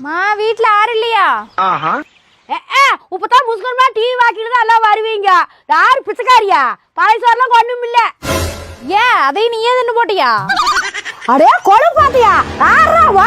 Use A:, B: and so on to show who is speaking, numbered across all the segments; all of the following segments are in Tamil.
A: மா வீட்ல யாரும் இல்லையா? இப்பதான் முஸ்கர்மா டிவி வாக்கிட்டு தான் எல்லாம் வருவீங்க. யாரு பிச்சைக்காரியா? பாயசம்லாம் ஒண்ணும் இல்ல. ஏன் அதையும் நீயே தின்னு போட்டியா? அடே கொலை பாத்தியா? யாராவா?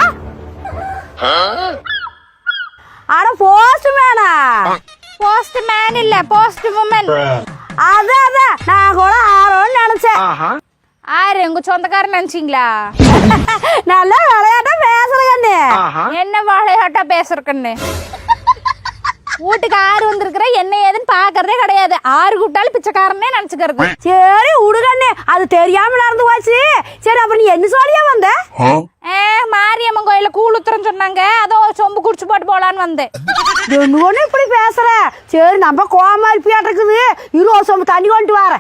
A: அட போஸ்ட் மேனா? போஸ்ட் மேன் இல்ல, போஸ்ட் வுமன். அதான் நான் கூட ஆரோன்னு நினைச்சேன். ஆறு உங்க சொந்தக்காரன் நினைச்சீங்களா? நல்லா விளையாட்டா பேசுறேன்னு. என்ன விளையாட்டா பேசுறேன்னு? வீட்டுக்கு ஆறு வந்திருக்கிற என்ன ஏதுன்னு பாக்குறதே கிடையாது. ஆறு கூப்பிட்டாலும் பிச்சைக்காரனே நினைச்சுக்கிறது. சரி உடுகண்ணே, அது தெரியாம நடந்து போச்சு. சரி அப்புறம் நீ என்ன சொல்லியா வந்த? மாரியம்மன் கோயில கூழ் ஊத்துறன்னு சொன்னாங்க, அதோ சொம்பு குடிச்சு போட்டு போலான்னு வந்தேன். ஒண்ணு இப்படி பேசுற? சரி நம்ம கோவமா இருப்பியாட்டு இருக்குது. இருபது சொம்பு தண்ணி கொண்டு வரேன்.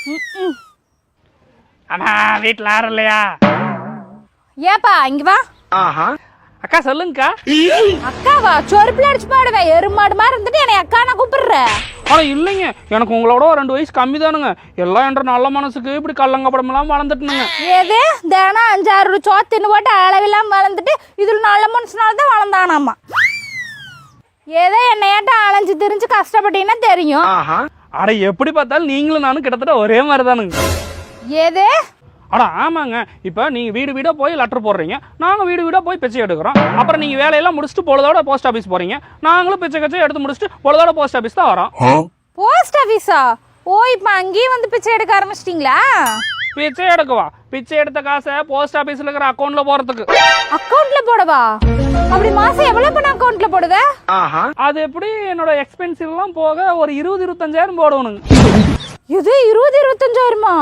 B: அம்மா வீட்டுல யாரும் இல்லையா?
A: ஏப்பா இங்க வா.
B: அக்கா சொல்லுங்கக்கா.
A: அக்காவா? சொருப்புல அடிச்சு பாடுவேன். எருமாடு மாதிரி இருந்துட்டு என்னை அக்கா நான் கூப்பிடுறேன்.
B: ஆனா இல்லைங்க, எனக்கு உங்களோட 2 வயசு கம்மி தானுங்க. எல்லாம் என்ற நல்ல மனசுக்கு இப்படி கள்ளங்கப்படம் எல்லாம் வளர்ந்துட்டுனுங்க.
A: ஏது தினம் 5-6 சோத்துன்னு போட்டு அளவில்லாம வளர்ந்துட்டு இதுல நல்ல மனுஷனாலதான் வளர்ந்தானாமா. ஏதோ என்னையாட்ட அலைஞ்சு திரிஞ்சு கஷ்டப்பட்டீங்கன்னா தெரியும்.
B: அட எப்படி பார்த்தாலும் நீங்களும் நானும் கிட்டத்தட்ட ஒரே மாதிரி தானுங்க.
A: ஏது?
B: அட ஆமாங்க. இப்போ நீங்கள் வீடு வீடாக போய் லெட்டர் போடுறீங்க, நாங்கள் வீடு வீடாக போய் பிச்சை எடுக்கிறோம். அப்புறம் நீங்கள் வேலையெல்லாம் முடிச்சுட்டு பொழுதோட போஸ்ட் ஆஃபீஸ் போகிறீங்க, நாங்களும் பிச்சை கச்சை எடுத்து முடிச்சுட்டு பொழுதோட போஸ்ட் ஆஃபீஸ் தான் வரோம்.
A: போஸ்ட் ஆஃபீஸா? ஓ இப்போ அங்கேயும் வந்து பிச்சை எடுக்க ஆரம்பிச்சிட்டிங்களா?
B: பிச்சை எடுக்கவா? பிச்சை எடுத்த காசை போஸ்ட் ஆஃபீஸில் இருக்கிற அக்கௌண்ட்ல போகிறதுக்கு.
A: அக்கௌண்ட்ல போடவா? அப்படி மாசம் எவ்வளவு பண்ண அக்கௌண்ட்ல போடுவ?
B: அது எப்படி என்னோட எக்ஸ்பென்சிவ் எல்லாம் போக ஒரு 20-25,000 போடணுங்க.
A: இது 20-25,000மா?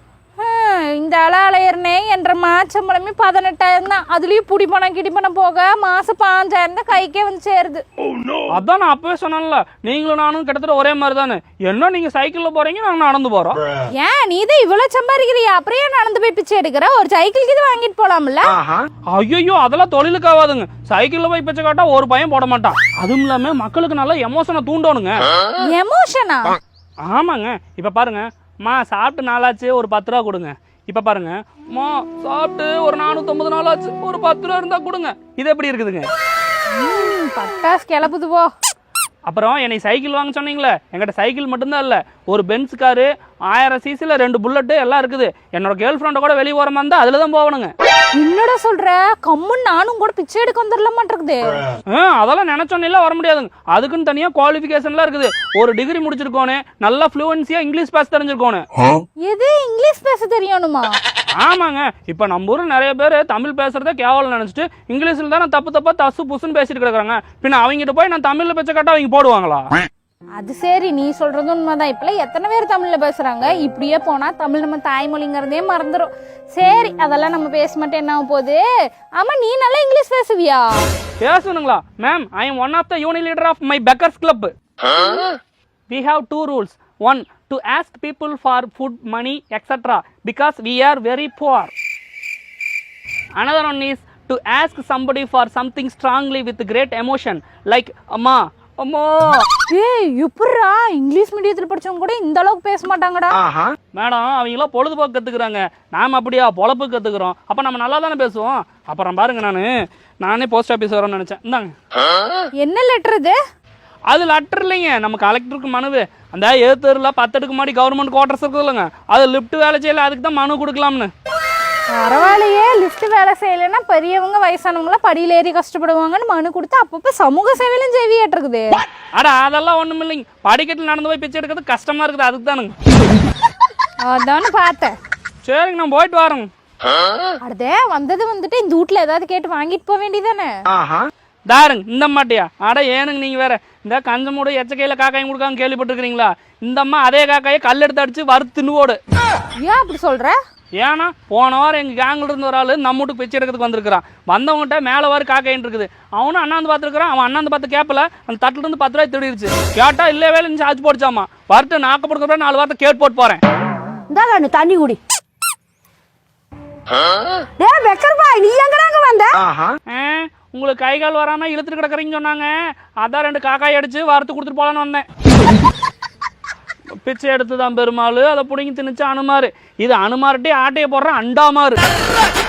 A: இந்த அலையர்னே என்ற மாச்சம்பளமே 18,000 தான். அதுலயும் புடி பணம் கிடி பணம் போக மாசம் 5,000 தான் கைக்கே வந்து சேருது.
B: அதான் நான் அப்பவே சொன்னேன்ல, நீங்களும் நானும் கிட்டத்தட்ட ஒரே மாதிரி தானே. என்ன நீங்க சைக்கிள்ல போறீங்க, நாங்க நடந்து போறோம்.
A: ஏன் நீ தான் இவ்வளவு சம்பாதிக்கிறியா? அப்படியே நடந்து போய் பிச்சை எடுக்கிற? ஒரு சைக்கிளுக்கு இது வாங்கிட்டு போலாம்ல?
B: ஐயோ அதெல்லாம் தொழிலுக்கு ஆகாதுங்க. சைக்கிள்ல போய் பிச்சை காட்டா ஒரு பையன் போட மாட்டான். அதுவும் இல்லாம மக்களுக்கு நல்ல எமோஷனை தூண்டணுங்க.
A: எமோஷனா?
B: ஆமாங்க. இப்ப பாருங்க, மா சாப்பிட்டு நாளாச்சு, ஒரு 10 ரூபா கொடுங்க. இப்ப பாருங்க, மா சாப்பிட்டு ஒரு 450 நாளாச்சு, ஒரு 10 ரூபா இருந்தா கொடுங்க. இது எப்படி இருக்குதுங்க?
A: பட்டாஸ் கிளப்புது போ.
B: அப்புறம் என்னை சைக்கிள் வாங்க சொன்னீங்களே, என்கிட்ட சைக்கிள் மட்டும்தான் இல்லை, ஒரு பென்ஸ் காரு, 1000 சிசில 2 புல்லட்டு எல்லாம் இருக்குது. என்னோட கேர்ள் ஃப்ரெண்டை கூட வெளியே போகிற மாதிரி இருந்தால் அதில் தான் போகணுங்க.
A: என்னடா சொல்ற? கம்முன்னு நானும் கூட பிச்சை எடுக்க வந்துடல மாட்டிருக்குது.
B: அதெல்லாம் நினைச்சோன்னே வர முடியாதுங்க. அதுக்குன்னு தனியாக குவாலிஃபிகேஷன்லாம் இருக்குது. ஒரு டிகிரி முடிச்சிருக்கோனே, நல்லா ஃப்ளூவன்சியா இங்கிலீஷ் பேச தெரிஞ்சிருக்கோனே.
A: எது இங்கிலீஷ் பேச தெரியணுமா?
B: ஆமாங்க. இப்போ நம்ம ஊர் நிறைய பேர் தமிழ் பேசுறதே கேவலம் நினைச்சிட்டு இங்கிலீஷ்ல தான் தப்பு தசு புசுன்னு பேசிட்டு கிடக்குறாங்க. பின்ன அவங்ககிட்ட போய் நான் தமிழ்ல பேச்ச கேட்டா அவங்க போடுவாங்களா?
A: அது சரி, நீ சொல்றது உண்மைதான். இப்பெல்லாம் எத்தனை பேர் தமிழ்ல பேசுறாங்க. இப்படியே போனா தமிழ் நம்ம தாய்மொழிங்கிறதே மறந்துடும். சரி அதெல்லாம் நம்ம பேச மாட்டேன், என்ன ஆக போகுது? ஆமா நீ நல்லா இங்கிலீஷ் பேசுவியா?
B: பேசணுங்களா ma'am? I am one of the unit leader of my beggars club. We have 2 rules. 1, to ask people for food, money, etc. because we are very poor. Another one is to ask somebody for something strongly with great emotion, like amma, amma.
A: ஏய் எப்பறா இங்கிலீஷ் மீடியத்துல படிச்சவங்க கூட இந்த அளவுக்கு பேச மாட்டாங்கடா.
B: மேடம் அவங்கள பொழுதுபோக்கு கத்துக்கிறாங்க, நாம அப்படியா பொழப்பு கத்துக்கிறோம். அப்ப நம்ம நல்லா தானே பேசுவோம். அப்புறம் பாருங்க, நானே போஸ்ட் ஆபீஸ் வரேன்னு நினைச்சேன். இந்தாங்க.
A: என்ன லெட்டர் இது?
B: அது லெட்டர் இல்லைங்க, நம்ம கலெக்டருக்கு மனுவு. அந்த ஏத்தூர்ல 10 அடுக்கு மாடி கவர்மெண்ட் குவார்டர்ஸ் இருக்குது இல்லைங்க, அது லிஃப்ட் வேலை செய்யல, அதுக்கு தான் மனு கொடுக்கலாம்னு.
A: பரவாயில்லையே, லிஃப்ட் வேலை செய்யலைன்னா பெரியவங்க வயசானவங்கள படியில ஏறி கஷ்டப்படுவாங்கன்னு மனு கொடுத்து அப்பப்போ சமூக சேவையிலும் ஜெவியாட்டு இருக்குது.
B: அட அதெல்லாம் ஒண்ணும் இல்லைங்க, படிக்கட்டில் நடந்து போய் பிச்சை எடுக்கிறது கஷ்டமா இருக்குது, அதுக்கு தானுங்க.
A: அதானு பார்த்தேன்.
B: சரிங்க நான் போயிட்டு வரேங்க.
A: அடுத்தே வந்துட்டு இந்த வீட்டுல ஏதாவது கேட்டு வாங்கிட்டு போக வேண்டியதானே?
B: தாருங்க இந்த மாட்டியா? அட ஏனுங்க நீங்க வேற, இந்த கஞ்சமூட எச்சக்கையில காக்காயும் கொடுக்காங்க கேள்விப்பட்டிருக்கீங்களா? இந்த அம்மா அதே காக்காயை கல் எடுத்து அடிச்சு வறுத்து தின்னுவோடு.
A: ஏன் அப்படி சொல்ற?
B: ஏன்னா போன வாரம் எங்க கேங்ல இருந்து ஒரு ஆளு நம்ம வீட்டுக்கு பிச்சை எடுக்கிறதுக்கு வந்திருக்கிறான். வந்தவங்ககிட்ட மேல வாரு காக்காயின்னு இருக்குது. அவனும் அண்ணாந்து பார்த்துருக்கான். அவன் அண்ணாந்து பார்த்து கேப்பல, அந்த தட்டுல இருந்து 10 ரூபாய் திருடிடுச்சு. கேட்டா இல்ல வேலை சார்ஜ் போடுச்சாமா. வரட்டு நாக்கப்படுற 4 வாரத்தை கேட் போட்டு போறேன்.
A: இந்தாங்க தண்ணி குடி. நீ எங்கடாங்க வந்த?
B: உங்களுக்கு கை கால் வராம இழுத்துட்டு கிடக்குறீங்கன்னு சொன்னாங்க, அதான் 2 காக்காய் அடிச்சு வறுத்து கொடுத்துட்டு போலான்னு வந்தேன். பிச்சை எடுத்துதான் பெருமாள், அதை பிடிங்கி திணிச்சு அனுமாரு. இது அனுமார்ட்டே ஆட்டையை போடுற அண்டாமாரு.